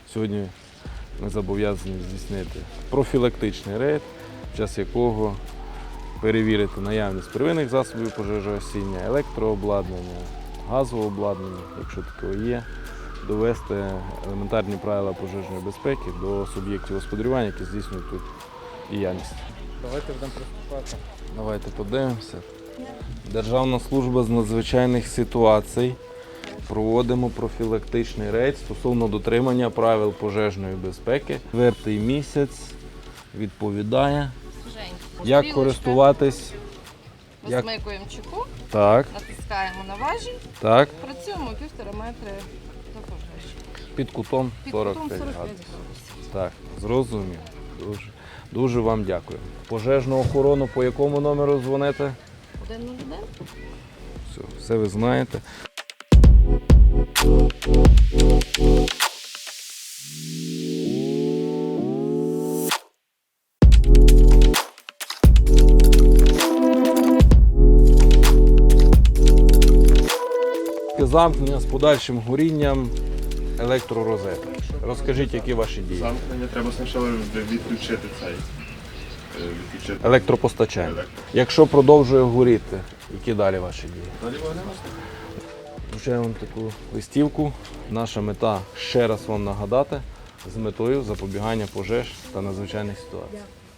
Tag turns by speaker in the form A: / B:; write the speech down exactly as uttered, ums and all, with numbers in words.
A: Сьогодні ми зобов'язані здійснити профілактичний рейд, під час якого перевірити наявність первинних засобів пожежогасіння, електрообладнання, газового обладнання, якщо таке є, довести елементарні правила пожежної безпеки до суб'єктів господарювання, які здійснюють тут діяльність.
B: Давайте будемо приступати.
A: Давайте подивимося. Державна служба з надзвичайних ситуацій. Проводимо профілактичний рейд стосовно дотримання правил пожежної безпеки. Четвертий місяць відповідає, як користуватись. Як...
C: Висмикуємо чеку,
A: Так,
C: натискаємо на важіль,
A: так,
C: працюємо півтора метри до пожежі.
A: під кутом
C: Під
A: сорок
C: кутом
A: п'ять
C: сорок п'ять
A: градусів.
C: градусів.
A: Так, зрозумів. Дуже, дуже вам дякую. Пожежну охорону по якому номеру дзвоните?
C: один нуль один.
A: Все, все ви знаєте. Замкнення з подальшим горінням електророзетки. Розкажіть, які ваші дії?
D: Замкнення треба спочатку відключити цей. е, Відключити.
A: Електропостачання. Якщо продовжує горіти, які далі ваші дії?
D: Далі вогнемо.
A: Вручаю вам таку листівку. Наша мета ще раз вам нагадати з метою запобігання пожеж та надзвичайних ситуацій.